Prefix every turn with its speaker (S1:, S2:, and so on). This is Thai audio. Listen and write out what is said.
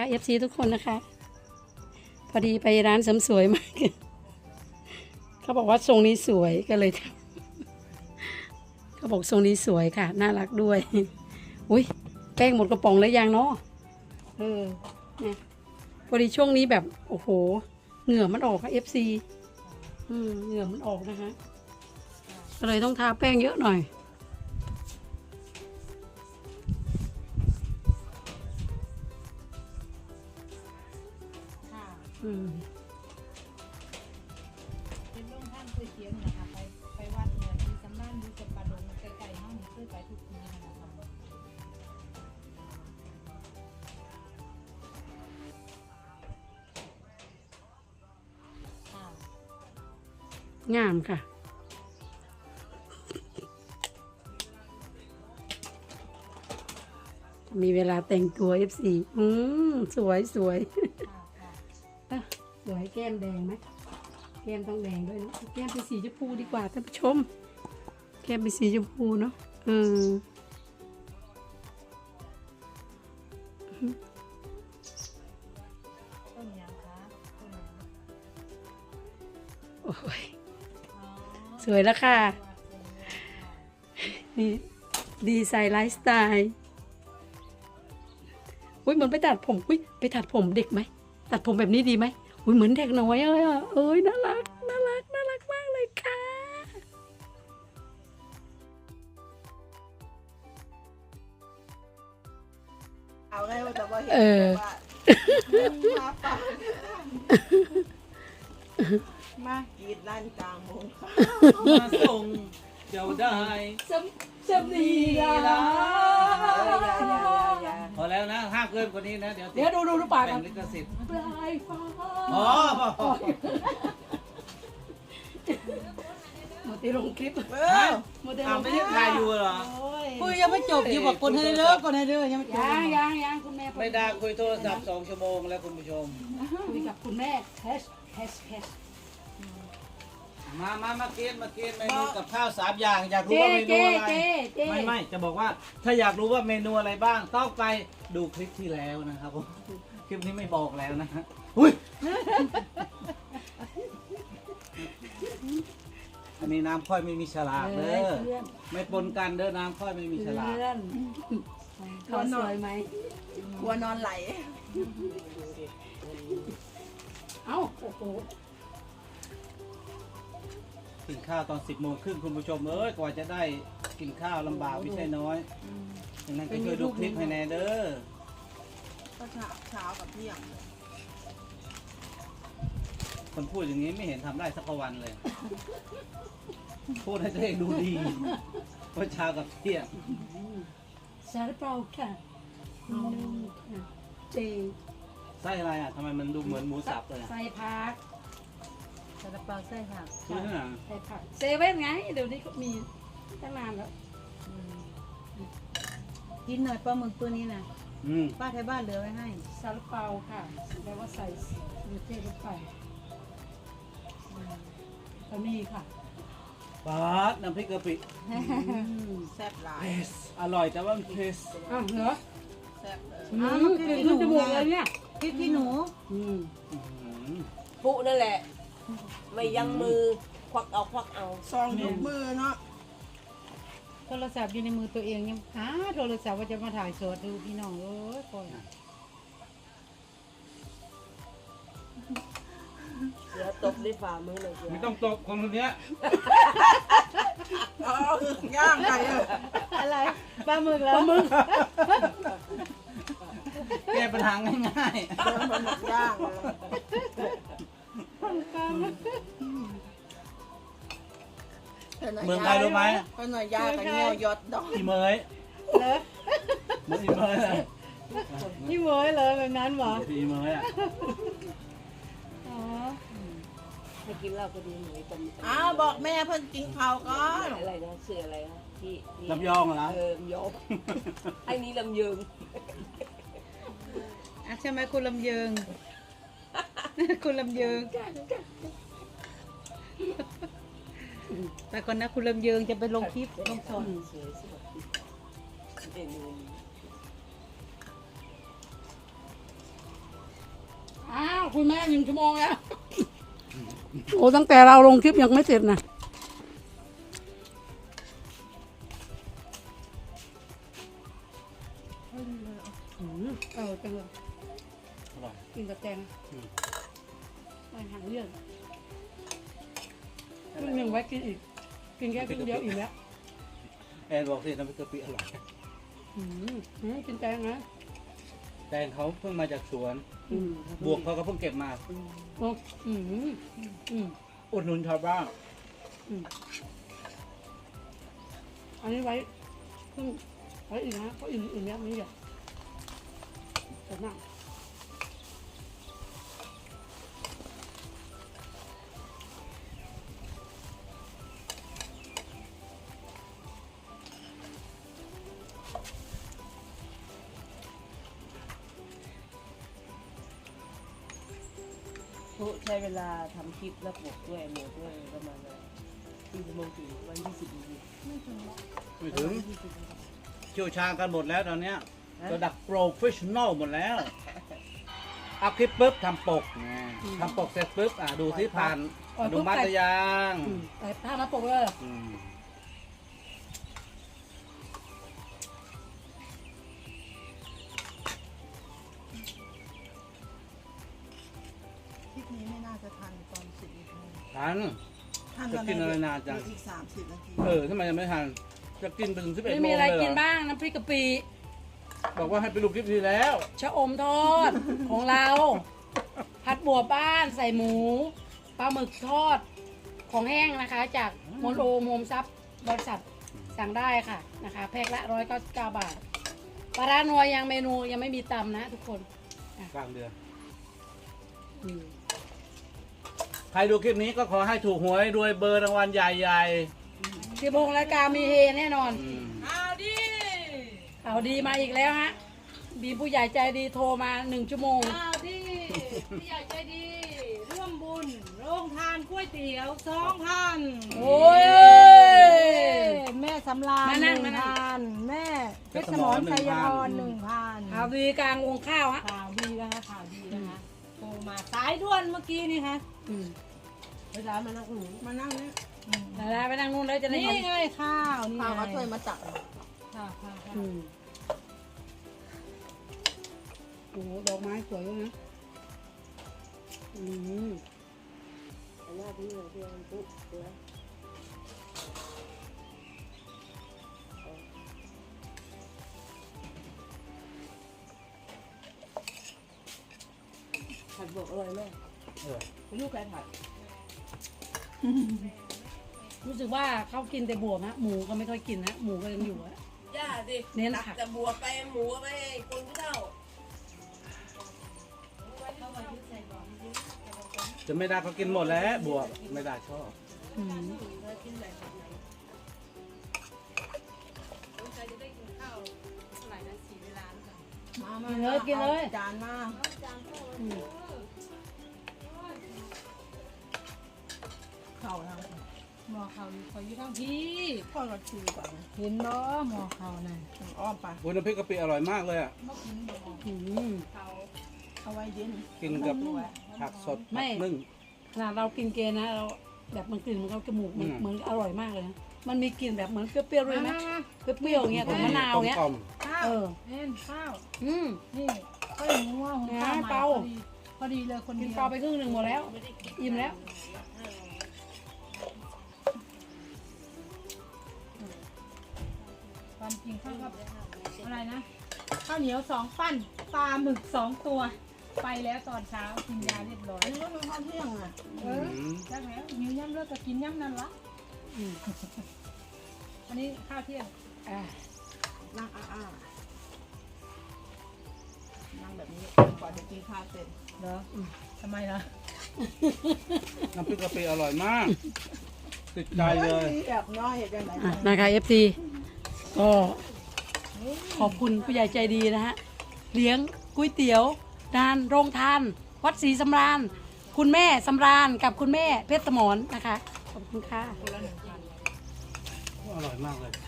S1: FC ทุกคนนะคะ พอดีไปร้านเสริมสวยมาเขาบอกว่าทรงนี้สวยก็เลยทำเขาบอกทรงนี้สวยค่ะน่ารักด้วยอุ้ยแป้งหมดกระป๋องแล้วยังเนาะเนี่ยพอดีช่วงนี้แบบโอ้โหเหงื่อมันออกค่ะ FC เหงื่อมันออกนะคะก็เลยต้องทาแป้งเยอะหน่อย
S2: เป็นโรงท่านคุยเสียงนะคะไปวัดเนี่ยมีสำนักอยู่กับปลาดงไกลๆห้องนี้เคยไปทุกปีนะคะ
S1: งามค่ะมีเวลาแต่งตัว FC สวยสวยสวยแก้มแดงไหมแก้มต้องแดงด้วยนะแก้มเป็นสีชมพูดีกว่าท่านผู้ชมแก้มเป็นสีชมพูเนาะ
S2: ต้นยังคะต้นยัง
S1: โอ้ยสวยแล้วค่ะนี่ดีไซน์ไลฟ์สไตล์อุ้ยเหมือนไปตัดผมอุ้ยไปตัดผมเด็กไหมตัดผมแบบนี้ดีไหมอุ้ยเหมือนเด็กน้อยเลยอ่ะเอ้ยน่ารักน่ารักน่ารักมากเลยค่ะ
S3: เอาไงว่าจะว่าเห็นว่ามาป่ามากีดลั่นกลางวงค่ะ
S4: มาส่งเจ้าได้
S1: สำนีละ
S4: พอแล้วนะห้ามเกินกว่านี้นะเดี๋ยว
S1: เดี๋ยวดูปาก
S4: แบ่
S1: กั
S4: ง
S1: น
S4: ลิขสิทธิ์
S1: ปลายฟ้า
S4: อ๋อ
S1: หมดที่ลงคลิป หมดที่ล
S4: อ้าว
S1: ง
S4: ไม่
S1: คลิ
S4: ได้
S1: ป
S4: ถ่ายอยู่เหรอ
S2: คุยยังไม่จบอยู่บอกคนให้เลิกคนให้เลิกยังไม่จบ
S1: ยังคุณแม่
S4: ไม่ได้คุยโทรศัพท์2 ชั่วโมงแล้วคุณผู้ชม
S1: คุยกับคุณแม่แฮช
S4: มากินเมนูกับข้าว3 อย่างอยากรู้ว่าเมนูอะไรไม่จะบอกว่าถ้าอยากรู้ว่าเมนูอะไรบ้างต้องไปดูคลิปที่แล้วนะครับผมคลิปนี้ไม่บอกแล้วนะฮะอุ้ยอันนี้น้ำค่อยไม่มีฉลากเด้อไม่ปนกันเด้อน้ำค่อยไม่มีฉลาก
S1: เพื่อนเขาสวยไหม
S3: กลัวนอนไหล
S1: เอ้าโอ้โห
S4: กินข้าวตอน10 โมงครึ่งคุณผู้ชมเอ้ยกว่าจะได้กินข้าวลำบากไม่ใช่น้อยดังนั้นก็ช่วยดูคลิปให้แน่เด้อ
S3: ก็เช้ากับเที่ยง
S4: คนพูดอย่างนี้ไม่เห็นทำได้สักวันเลย พูดให้ตัวเองดูดีว่าเช้ากับเที่ยง
S1: ซาลาเปาค่ะเจ
S4: ไส้อะไรอ่ะทำไมมันดูเหมือนหมูสับเลยอ่ะ
S1: ใส่ผัก
S2: ซาลาเปาไส้ค่ะ
S4: คือที่ไหน
S1: ใส่ผักเซเว่นไงเดี๋ยวนี้เขามีตั้งนานแล้ว
S2: กินหน่อยปลาหมึกตัวนี้นะ ป้าไทยบ้านเหลือไว้ให้
S1: ซาลาเปาค่ะแปลว่าใส่เนื้อเทศลงไปก็มีค่ะ
S4: ปาดน้ำพริกกะปิ
S3: แซ่บหลาย
S4: อร่อยแต่ว่ามันเผ็ด
S1: อ้าวเหรอ
S3: แซ่บเลย
S1: กลิ่นขึ้นจมูกเลยเนี่ย
S2: พริกขี้หนู
S5: ปุนั่นแหละ ไม่ยังมือควักเอา
S3: ซองยกมือเนาะ
S2: โทรศัพท์อยู่ในมือตัวเองยังหาโทรศัพท์ว่าจะมาถ่ายสดดูพี่น้องเอ้ยก่อน
S5: เสือตบด้วยฝ่ามือเลยเสือ
S4: ไม่ต้องตบคนเนี้ย
S3: เอาย่างไก่เลย
S2: อะไรปลาหมึกแล้ว
S4: แก้ปัญหาง่าย
S3: มันหมดย่างเลย
S4: ๆเมืองไทยรู้ไหม
S3: ก็หน่อยย่างกับเงี้ยวยอดดอก
S4: อีเมย
S2: เหรอ
S4: เหมือนอีเมยเลย
S2: นี่เหมยเลยแบบนั้นเหรอ
S4: อีเมยอ่ะ
S2: อ๋อ
S5: ให้กินเหล้าก็ดีหนูตม
S3: อ้าวบอกแม่เพิ่นกินข้าวก่อน
S5: อะไรนะเสืออะไรนะที่
S4: ลำยองเหรอ
S5: ลำยองไอ้นี่ลำยืง
S2: อ่ะใช่ไหมคุณลำเยิง คุณลำเยิง แต่ก่อนนะคุณลำเยิงจะไปลงคลิปลงสอน
S5: สวยสวยเมนูนี้
S1: คุณแม่1 ชั่วโมงแล้ว โอ้ตั้งแต่เราลงคลิปยังไม่เสร็จนะจังเลย
S4: อร่อย
S1: กินกับแตงไม่หางเรื่องครึ่งหนึ่งไว้กินอีก กินแค่ครึ่งเดียวอีกแล้ว
S4: แอนบอกสิน้ำพริกกะปิอร่อย
S1: กินแตงนะ
S4: แตงเขาเพิ่งมาจากสวน
S1: อืม
S4: บวกเขาก็เพิ่งเก็บมา
S1: โอ้
S4: อุดหนุนชาวบ้าน
S1: อันนี้ไว้ครึ่งไว้อีกนะเพราะอื่นเนี้ยไม่ใหญ่แต่นั่ง
S5: ใช้เวลาทำคลิปแล้วบวกด้วยหมดด้วยประมาณ4 ชั่วโมงถึงวัน20 นาที
S4: ไม่ถึงเชี่ยวชาญกันหมดแล้วตอนเนี้ยระดับโปรเฟชชั่นอลหมดแล้วอัพคลิปปุ๊บทำปกไงทำปกเสร็จปุ๊บดูที่ผ่านอนุมัติหรือยัง
S1: แต่ถ้ามาปกเลย
S4: อืม
S3: คลิปนี้ไม่น่าจะทันตอน10 นาที
S4: ทัน
S3: ทัน
S4: จะกินอะไรนานจัง
S3: อีก30 นาที
S4: ทำไมยังไม่ทันจะกินไปถึง11 โมงเลย
S1: ไม่มีอะไรกิน
S4: เหรอ
S1: บ้างน้ำพริกกะปิ
S4: บอกว่าให้ไปดูคลิปที่แล้ว
S1: ชะอมทอด ของเรา ผัดบัวบ้านใส่หมูปลาหมึกทอดของแห้งนะคะ จากโมโนโฮมซับบริษัทสั่งได้ค่ะนะคะ แพ็คละ199 บาทปลาร้านัวยังเมนูยังไม่มีตำนะทุกคน
S4: กลางเดือน
S1: อืม
S4: ใครดูคลิปนี้ก็ขอให้ถูกหวยรวยเบอร์รางวัลใหญ่
S1: 16 รายการมีเฮแน่นอน
S4: ๆอืม
S1: ข่าวดีมาอีกแล้วฮะมีผู้ใหญ่ใจดีโทรมา1 ชั่วโมง
S2: อ้าวดิพี่ใหญ่ใจดี ร่วมบุญโรงทานก๋วยเตี๋ยว2,000
S1: โอ้ย
S2: แม่สำราญ
S1: มานั่งมานั่ง
S2: 1,000แม่เพชรสมรชัยพร1,000
S1: ข่าวดีกลางวงข้าวฮะ
S2: ข่าวดีนะคะข่าวดีนะคะโทรมาสายด่วนเมื่อกี้นี่ค่ะ
S1: อืม
S5: เวลามานั่งหนู
S3: มานั่งนี่
S1: แล้วไปนั่งนู่นแล้วจะได้
S2: นี่
S1: เห็น
S2: ไงข้าวนี่
S3: พา
S2: ไง
S3: มาช่วยมาตัก
S2: ค่ะค่ะค่ะ
S1: อืมโอ้โหดอกไม้สวยด้วยนะอืม
S5: อันนี้ที่เราเรียนปุ๊บนะผัดบวกอร่อยมาก
S4: เออ
S5: ลูกใครผัด
S1: รู้สึกว่าเขากินแต่บวบฮะหมูก็ไม่ค่อยกินฮะหมูก็ยังอยู่ฮะ
S5: ย่าสิ
S1: เน้น
S5: ตัก
S1: ผัก
S5: แต่บวกไปหมูไปคนผู้เฒ่า
S4: จะไม่ได้เขากินหมดแล้วบวกไม่ได้ชอบ
S1: อืม
S3: มา
S1: กินเลยกินเลย
S3: จานมา
S1: อืม
S3: เข่าทาง
S2: หมอเขาคอยอยู่ทางพี่
S3: พ่อก็ชูก่อน
S2: เห็นบ่หมอเขานั่น
S3: อ้อมไป
S4: วุ้นน้ำพริกกะปิอร่อยมากเลยอ่ะ
S1: อืม
S3: เอาไว้เย็น
S4: กินกับผักสด
S1: ไม่
S4: ผักนึ่ง
S1: ขนาดเรากินเกนะเราแบบมันกลิ่นมันเข้าจมูกมัน
S4: อืม
S1: เหมือนอร่อยมากเลยนะมันมีกลิ่นแบบเหมือนเปรี้ยวๆด้วยไหมเปรี้ยวๆอย่างเงี้ยกับมะนาวเงี้ย
S4: กลม
S2: ข้าว
S1: เออ
S2: เห็นข้าว
S1: อืม
S2: นี่ก็อย่างนี้ว่าหุงข้าว
S1: นะ
S2: ใหม่
S1: เปา
S2: พอดีเลยคน
S1: กิ
S2: เดี
S1: น
S2: ยว
S1: ปลาไปครึ่งหนึ่งหมดแล้วอิ่มแล้ว
S2: ความจริงข้าวกับอะไรนะข้าวเหนียว2 ปั้นปลาหมึก2 ตัว ไปแล้วตอนเช้ากินยาเรียบร้อย
S3: อันนี้ก็เป็นข้าวเที่ยงอ่ะ
S2: เออจักแล้วหิวย่ำเลิกก็กินย่ำนั่นละ
S1: อืม
S2: อันนี้ข้าวเที่ยง
S1: อ่า
S3: นั่งอ้านั่งแบบนี้ก่อนจะกินข้าวเสร็จ
S2: เหรอทำไมล่ะ
S4: น้ำพริกกะปิอร่อยมาก ติดใจเลย
S3: แบบน้อยอย่างไร
S1: อ่ะนะคะ FT ก็ขอบคุณผู้ใหญ่ใจดีนะฮะเลี้ยงก๋วยเตี๋ยวดานโรงทาน วัดศรีสำราญ คุณแม่สำราญกับคุณแม่เพชรสมรนะคะ ขอบคุณค่ะ
S4: อร่อยมากเลย